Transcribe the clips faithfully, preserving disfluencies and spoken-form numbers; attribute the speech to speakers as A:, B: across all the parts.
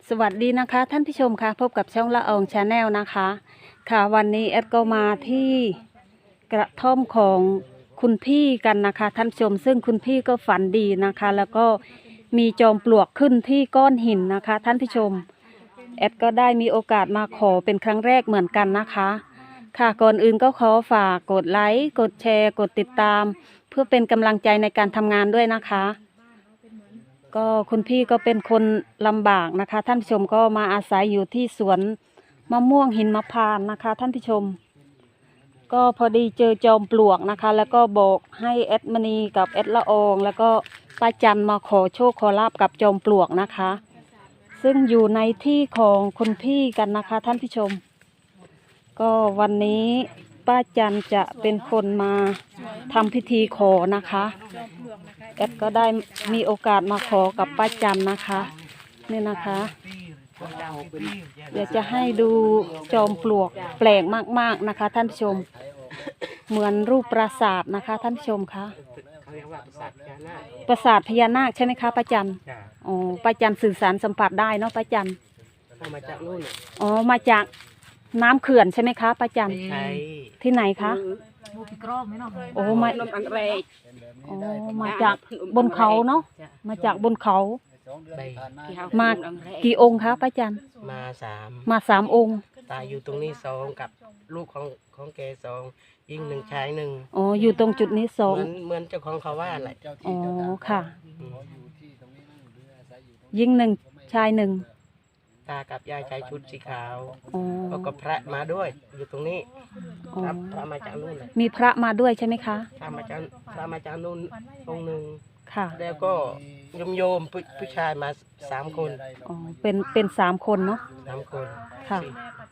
A: สวัสดีนะคะท่านผู้ชมค่ะพบกับช่องละอองชาแนลนะคะค่ะวันนี้แอดก็มาที่กระท่อมของคุณพี่กันนะคะท่านผู้ชมซึ่งคุณพี่ก็ฝันดีนะคะ แล้วก็มีจอมปลวกขึ้นที่ก้อนหินนะคะท่านผู้ชมแอดก็ได้มีโอกาสมาขอเป็นครั้งแรกเหมือนกันนะคะค่ะก่อนอื่นก็ขอฝากกดไลค์กดแชร์กดติดตาม เพื่อเป็นกำลังใจในการทำงานด้วยนะคะก็คุณพี่ก็เป็นคนลำบากนะคะท่านผู้ชมก็มาอาศัยอยู่ที่สวนมะม่วงหินมะพร้าวนะคะท่านผู้ชมก็พอดีเจอจอมปลวกนะคะแล้วก็บอกให้แอดมณีกับแอดละอองแล้วก็ป้าจันมาขอโชคขอลาบกับจอมปลวกนะคะซึ่งอยู่ในที่ของคุณพี่กันนะคะท่านผู้ชมก็วันนี้ป้าจันจะเป็นคนมาทำพิธีขอนะคะแอดก็ได้มีโอกาสมาขอกับป้าจันนะคะนี่นะคะเดี๋ยวจะให้ดูจอมปลวกแปลกมากๆนะคะท่านผู้ชมเหมือนรูปปราสาทนะคะท่านผู้ชมคะปราสาทพญานาคใช่ไหมคะป้าจันอ๋อป้าจันสื่อสารสัมผัสได้เนาะป้าจัน
B: มาจากนู่น
A: อ๋อมาจากน้ำเขื่อนใช่ไหมคะป้าจัน
B: ใช่
A: ที่ไหนคะโอ้มาอ๋อมาจากบนเขาเนาะมาจากบนเขามากี่องค์คะป้าจัน
B: มาสาม
A: มาสามองค์
B: ตายอยู่ตรงนี้สองกับลูกของของแกสองยิงหนึ่งชายหนึ่ง
A: อ๋ออยู่ตรงจุดนี้สอง
B: เหมือนเหมือนเจ้าของเขาว่าอะไร
A: อ๋อค่ะยิงหนึ่งชายหนึ่ง
B: ตากับยายชายชุดสีขาวแล้วก็พระมาด้วยอยู่ตรงนี้พระพระมาจากนู่นเลย
A: มีพระมาด้วยใช่ไหมคะ
B: พระมาจากพระมาจากนู่นองค์หนึ่ง
A: ค่ะ
B: แล้วก็โยมโยมผู้ชายมาสามคน
A: อ๋อเป็นเป็นสามคนเนาะ
B: สามคน
A: ค่ะ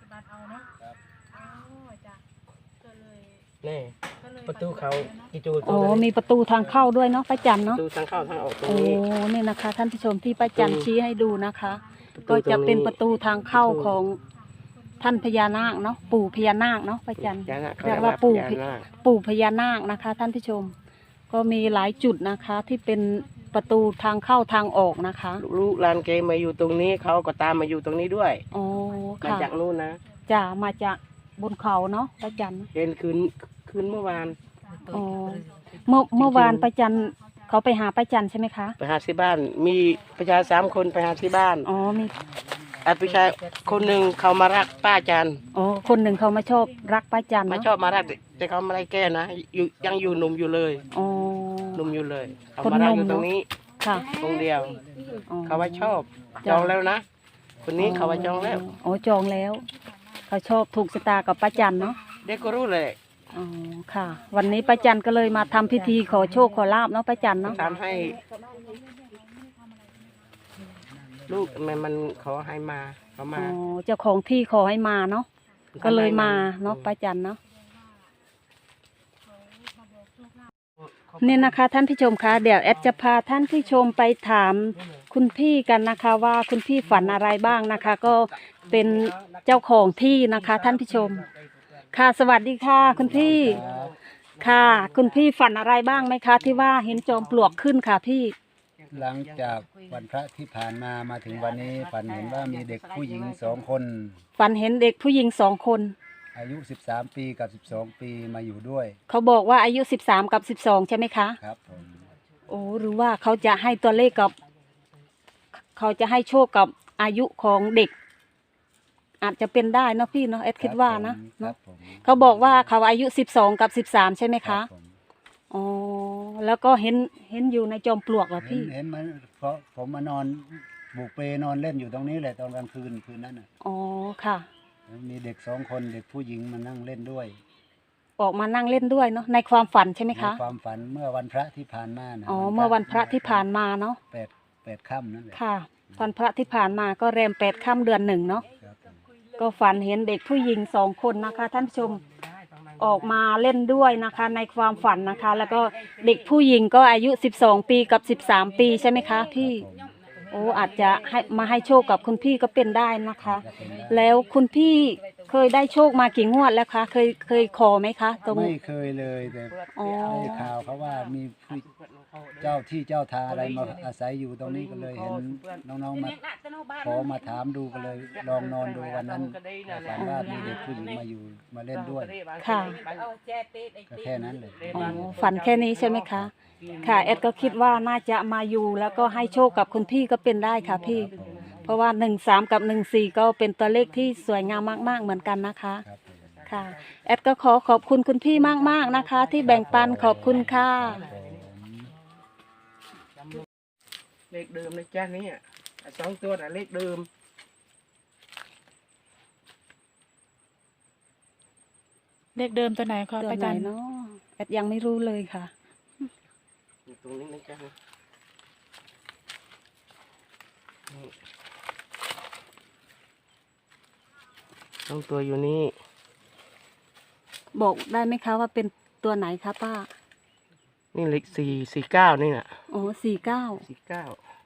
B: นี่ประตูเขากี่จู
A: อ๋อมีประตูทางเข้าด้วยเนาะป้าจันเนาะ
B: ประตูทางเข้าทางออกตรง
A: นี้โอ้นี่นะคะท่านผู้ชมที่ป้าจันชี้ให้ดูนะคะก็จะเป็นประตูทางเข้าของท่านพญานาคเนาะปู่พญานาคเนาะป้าจันเรียกว่าปู่ปู่พญานาคนะคะท่านผู้ชมก็มีหลายจุดนะคะที่เป็นประตูทางเข้าทางออกนะคะ
B: ลูกหลานเกมาอยู่ตรงนี้เขาก็ตามมาอยู่ตรงนี้ด้วย
A: อ๋อ
B: มาจากนู่นนะ
A: จะมาจากบนเขาเนาะป้าจัน
B: เห็นคืนคืนเมื่อวาน
A: อ๋อเมื่อเมื่อวานป้าจันเขาไปหาป้าจันใช่ไหมคะ
B: ไปหาที่บ้านมีประชาสามคนไปหาที่บ้าน
A: อ๋อมี
B: อาประชาคนหนึ่งเขามารักป้าจัน
A: อ๋อคนหนึ่งเขามาชอบรักป้าจัน
B: มาชอบมารักแต่เขาไม่ได้แก้นะอยู่ยังอยู่หนุ่มอยู่เลย
A: อ๋อ
B: หนุ่มอยู่เลยเขามารักอยู่ตรงนี้
A: ค่ะ
B: ตรงเดียวเขาว่าชอบจองแล้วนะคนนี้เขาว่าจองแล้ว
A: อ๋อจองแล้วเขาชอบถูกชะตากับป้าจันเนาะ
B: เด็กก็รู้เลย
A: อ๋อค่ะ วันนี้ป้าจันก็เลยมาทำพิธีขอโชคขอลาบเนาะป้าจันเนาะ
B: ทำให้ลูกมันมันขอให้มาเขามา
A: อ๋อเจ้าของที่ขอให้มาเนาะก็เลยมาเนาะป้าจันเนาะเนี่ยนะคะท่านผู้ชมคะเดี๋ยวแอดจะพาท่านผู้ชมไปถามคุณพี่กันนะคะว่าคุณพี่ฝันอะไรบ้างนะคะ ก็เป็นเจ้าของที่นะคะท่านผู้ชมค่ะสวัสดีค่ะคุณพี่ค่ะคุณพี่ฝันอะไรบ้างไหมคะที่ว่าเห็นจอมปลวกขึ้นค่ะพี่
C: หลังจากวันพระที่ผ่านมามาถึงวันนี้ฝันเห็นว่ามีเด็กผู้หญิงสองคน
A: ฝันเห็นเด็กผู้หญิงสองคน
C: อายุสิบสามปีกับสิบสองปีมาอยู่ด้วย
A: เขาบอกว่าอายุสิบสามกับสิบสองใช่ไหมคะ
C: ครับผม
A: โอ้หรือว่าเขาจะให้ตัวเลขกับเขาจะให้โชคกับอายุของเด็กอาจจะเป็นได้นะพี่เนาะเอ็ดคิดว่านะเนาะเขาบอกว่าเขาอายุสิบสองกับสิบสามใช่ไหมคะอ๋อแล้วก็เห็นเห็นอยู่ในจอมปลวกเหรอพี่
C: เห็นมันเพราะผมมานอนบุกเปนอนเล่นอยู่ตรงนี้แหละตอนกลางคืนคืนนั้นอ่ะ
A: อ๋อค่ะ
C: มีเด็กสองคนเด็กผู้หญิงมานั่งเล่นด้วย
A: ออกมานั่งเล่นด้วยเนาะในความฝันใช่ไหมคะ
C: ในความฝันเมื่อวันพระที่ผ่านมา
A: อ๋อเมื่อวันพระที่ผ่านมาเนาะ
C: แปดแปดค่ำนั่นแหละ
A: ค่ะวันพระที่ผ่านมาก็แรมแปดค่ำเดือนหนึ่งเนาะก็ฝันเห็นเด็กผู้หญิงสองคนนะคะท่านผู้ชมออกมาเล่นด้วยนะคะในความฝันนะคะแล้วก็เด็กผู้หญิงก็อายุสิบสองปีกับสิบสามปีใช่ไหมคะพี่โอ้อาจจะให้มาให้โชคกับคุณพี่ก็เป็นได้นะคะแล้วคุณพี่เคยได้โชคมากี่งวดแล้วคะเคยเคยขอไหมคะตรง
C: ไม่เคยเลยแต่ได้ข่าวเขาว่ามีผู้เจ้าที่เจ้าทางอะไรมาอาศัยอยู่ตรงนี้ก็เลยเห็นน้องๆมาขอมาถามดูก็เลยลองนอนดูวันนั้นฝันว่ามีเด็กผู้หญิงมาอยู่มาเล่นด้วย
A: ค่ะ
C: ก็แค่นั้นเลย
A: อ๋อฝันแค่นี้ใช่ไหมคะ ค่ะแอดก็คิดว่าน่าจะมาอยู่แล้วก็ให้โชคกับคุณพี่ก็เป็นได้ค่ะพี่ เพราะว่าหนึ่งสามกับหนึ่งสี่ก็เป็นตัวเลขที่สวยงามมากๆเหมือนกันนะคะ
C: ครับผม
A: ค่ะแอดก็ขอขอบคุณคุณพี่มากๆนะคะ ที่แบ่งปันขอบคุณค่ะ
B: เลขเดิมนะจ้านี่สองตัวน่ะเลขเดิม
D: เลขเดิมตัวไหนคะ
A: ตัว
D: ป้า
A: ไหน
D: จัน
A: เนาะแอดยังไม่รู้เลยค่ะ
B: อยู่ตรงนี้นะจ้านี่สองตัวอยู่นี่
A: บอกได้ไหมคะว่าเป็นตัวไหนคะป้า
B: นี่เลขสี่สี่เก้านี่น่ะ
A: อ๋อสี่เก้า
B: สี่เก้า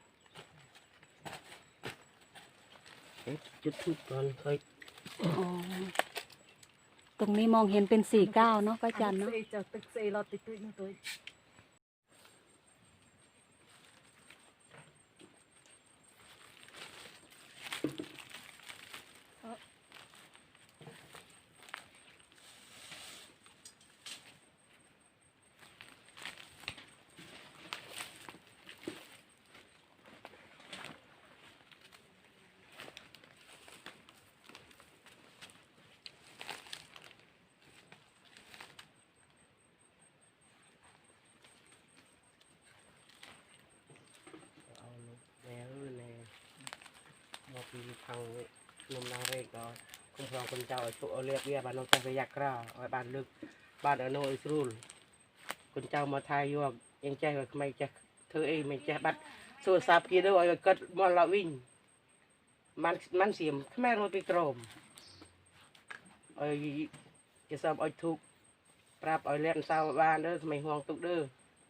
B: เอ๊ะจุดทูปก่อนค่อย
A: อ๋อตรงนี้มองเห็นเป็นสี่เก้าเนาะป้าจันเนาะ
B: เอาแนวแนวมาปีทางนมนางเรกก็คุ้มครองคนเจ้าตัวเอาเรียกเรียบ้านน้องใจไปยักษ์กล้าเอาบ้านลึกบ้านอโนอิสรูลคนเจ้ามาทายยวกยังใจก็ไม่จะเธอเองไม่จะบัดโซซาบกี่ด้วยก็กัดมอลวิ่งมันมันเสียมแม่เราไปกรมไอ้จะสอบไอ้ทุกปราบไอ้เลี้ยนสาวบ้านเด้อไม่ห่วงตุกเด้อ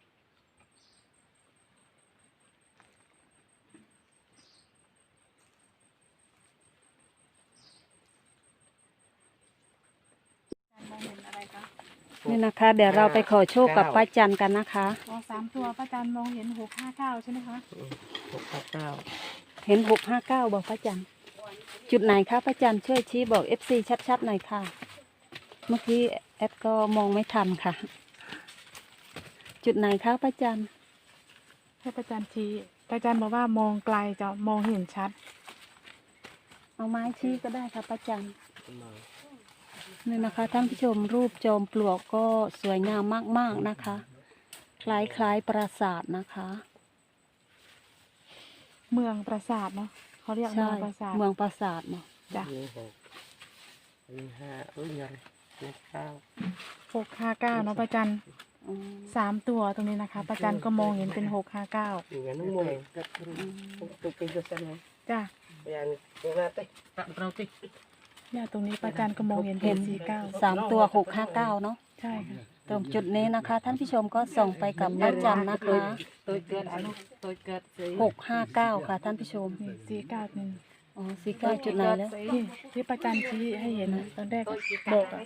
D: มองเห็นอะไรคะ
A: นี่นะคะ เดี๋ยวเราไปขอโชคกับป้าจันกันนะคะ
D: อ๋อสามตัวป้าจันมองเห็นหกห้าเก้าใช่ไหมคะ
B: หกเก้า
A: เห็นหกห้าเก้าบอกป้าจันจุดไหนคะป้าจันช่วยชี้บอกเอฟซีชัดๆหน่อยค่ะ เมื่อกี้แอดก็มองไม่ทันค่ะ จุดไหนคะป้าจัน
D: ให้ป้าจันชี้ป้าจันบอกว่ามองไกลจะมองเห็นชัด
A: เอาไม้ชี้ก็ได้ค่ะป้าจัน
B: มา
A: นี่นะคะท่านผู้ชมรูปจอมปลวกก็สวยงามมากๆนะคะ คล้ายๆปราสาทนะคะ
D: เมืองปราสาทเนาะเขาเรียกเมื
A: ใช่
D: องปราสาท
A: เมืองปราสาทเนาะ
D: จ้ะ
B: นี่หกนี่ห้าเอ้ยยังเลขเก้า
D: หกห้าเก้าเนาะป้าจัน
A: อืม
D: สามตัวตรงนี้นะคะป้าจันก็มองเห็นเป็นหกห้าเก้า
B: อย่างนั้นมวยก็ตุกเป็นตัวสั่นเลย
D: จ้ะ
B: อย่างอย่างนั้นติตัดเราติ
D: เนี่ยตรงนี้ป้าจันก็มองเห็นเป็นสี่เก้า
A: สามตัวหกห้าเก้าเนาะ
D: ใช่ค่ะ
A: ตรงจุดนี้นะคะ ท่านผู้ชมก็ส่งไปกับป้าจันนะคะ
B: ตัวเกิดอนุตัวเกิดสี
A: หกห้าเก้าค่ะท่านผู้ชม
D: นี่สี่เก้าหนึ่ง
A: อ๋อสี่เก้าจุดไหนแล้ว
D: ที่ที่ป้าจันชี้ให้เห็นนะตอนแรกบอกอะ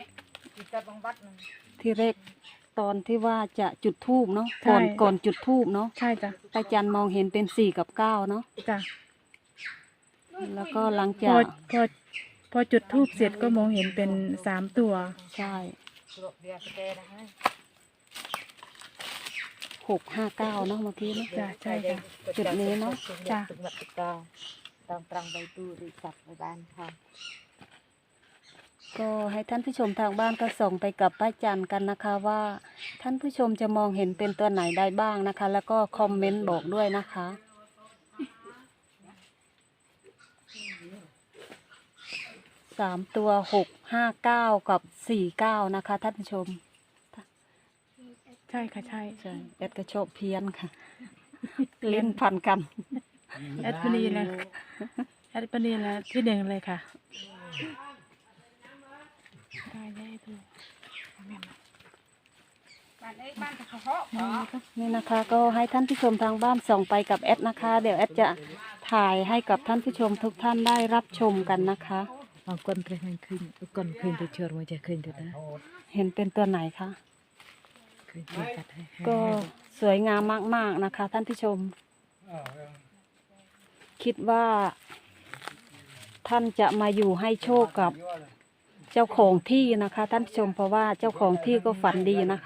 A: ที่แรกตอนที่ว่าจะจุดทูบเนาะก่อนก่อนจุดทูบเนาะ
D: ใช่จ้ะ
A: ป้าจันมองเห็นเป็นสี่กับเก้าเนาะ
D: จ้ะ
A: แล้วก็หลัง
D: พ
A: จา
D: อก พอพอจุดทูบเสร็จก็มองเห็นเป็นสามตัว
A: ใช่หกห้าเก้าเนาะเมื่อกี้เนาะ
D: จ้ะใช่จ้ะ
A: จุดนี้เนาะ
D: จ้ะ
A: ก็ให้ท่านผู้ชมทางบ้านก็ส่งไปกับป้าจันกันนะคะว่า ท่านผู้ชมจะมองเห็นเป็นตัวไหนได้บ้างนะคะ แล้วก็คอมเมนต์บอกด้วยนะคะสามตัวหกห้าเก้ากับสี่เก้านะคะท่านผู้ชม
D: ใช่ค่ะใช่
A: ใช่แอดก็ชอบเพี้ยนค่ะ เล่นพันกัน
D: แอดปนีเลยแอดปนีเลยที่หนึ่งเลยค่ะได้ได้ดูนี่ก็
A: นี่นะคะก็ให้ท่านผู้ชมทางบ้านส่งไปกับแอดนะคะ เดี๋ยวแอดจะถ่ายให้กับท่านผู้ชมทุกท่านได้รับชมกันนะคะ
E: บางคนเคยเห็นขึ้นคนเคยไปเชิญมาจะขึ้นแต่ละ
A: เห็นเป็นตัวไหนคะ
E: ค
A: ก็สวยงามมากๆนะคะ ท่านผู้ชม คิดว่าท่านจะมาอยู่ให้โชคกับเจ้าของที่นะคะ ท่านผู้ชมเพราะว่าเจ้าของที่ก็ฝันดีนะคะ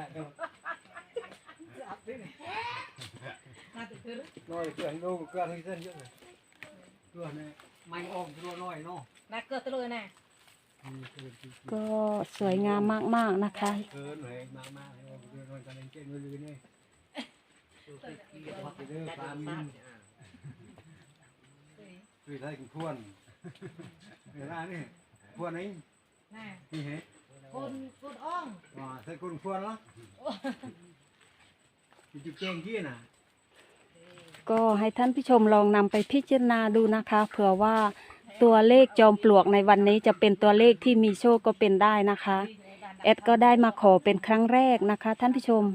C: น้อยเกินดูเกินให้เส้นเยอะเลยตัวนี้ไม่ออกตัวน้อยเนาะ
E: น่าเกิดตะเลยนะ
A: ก็สวยงามมากๆนะคะ
C: เกินเลยมากมากเลยตัวน้อยกันเองเก่งเลยนี่พักเด้อปลามินคือไทยกูควรเวลานี่ควรไหน
E: น่ะ
C: นี่เหรอ
E: คนคนอ่อง
C: อ๋อใส่คนควรเหรอจุดเก่งที่น่ะ
A: ก็ให้ท่านผู้ชมลองนำไปพิจารณาดูนะคะเผื่อว่าตัวเลขจอมปลวกในวันนี้จะเป็นตัวเลขที่มีโชคก็เป็นได้นะคะแอดก็ได้มาขอเป็นครั้งแรกนะคะ ท่านผู้ชม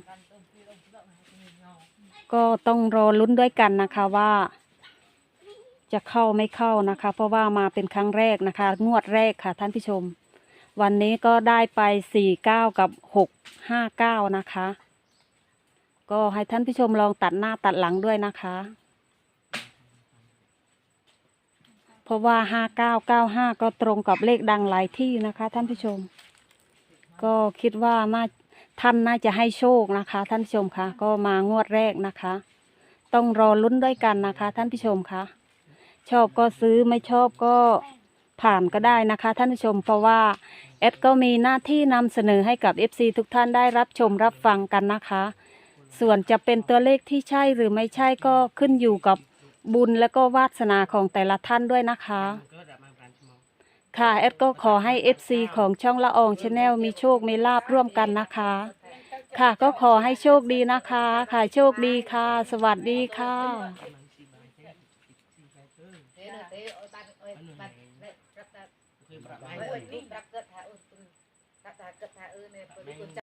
A: ก็ต้องรอลุ้นด้วยกันนะคะว่าจะเข้าไม่เข้านะคะ เพราะว่ามาเป็นครั้งแรกนะคะ งวดแรกค่ะท่านผู้ชม วันนี้ก็ได้ไปสี่เก้ากับหกห้าเก้านะคะ ก็ให้ท่านผู้ชมลองตัดหน้าตัดหลังด้วยนะคะ เพราะว่าห้าเก้าเก้าห้าก็ตรงกับเลขดังหลายที่นะคะ ท่านผู้ชม ก็คิดว่าน่าท่านน่าจะให้โชคนะคะ ท่านผู้ชมคะก็มางวดแรกนะคะ ต้องรอลุ้นด้วยกันนะคะ ท่านผู้ชมคะชอบก็ซื้อไม่ชอบก็ผ่านก็ได้นะคะ ท่านผู้ชมเพราะว่าแอดก็มีหน้าที่นำเสนอให้กับ เอฟ ซี ทุกท่านได้รับชมรับฟังกันนะคะ ส่วนจะเป็นตัวเลขที่ใช่หรือไม่ใช่ก็ขึ้นอยู่กับบุญและก็วาสนาของแต่ละท่านด้วยนะคะ ค่ะแอดก็ขอให้ เอฟ ซี ของช่องละอองชาแนลมีโชคมีลาบร่วมกันนะคะ ค่ะก็ขอให้โชคดีนะคะ ค่ะโชคดีค่ะ สวัสดีค่ะ
E: เตะเตะโอ้ยบ้านโอ้ยบ้านเล็กรับตาโอ้ยนี่รับเกิดหาเออรับตาเกิดหาเออเนี่ย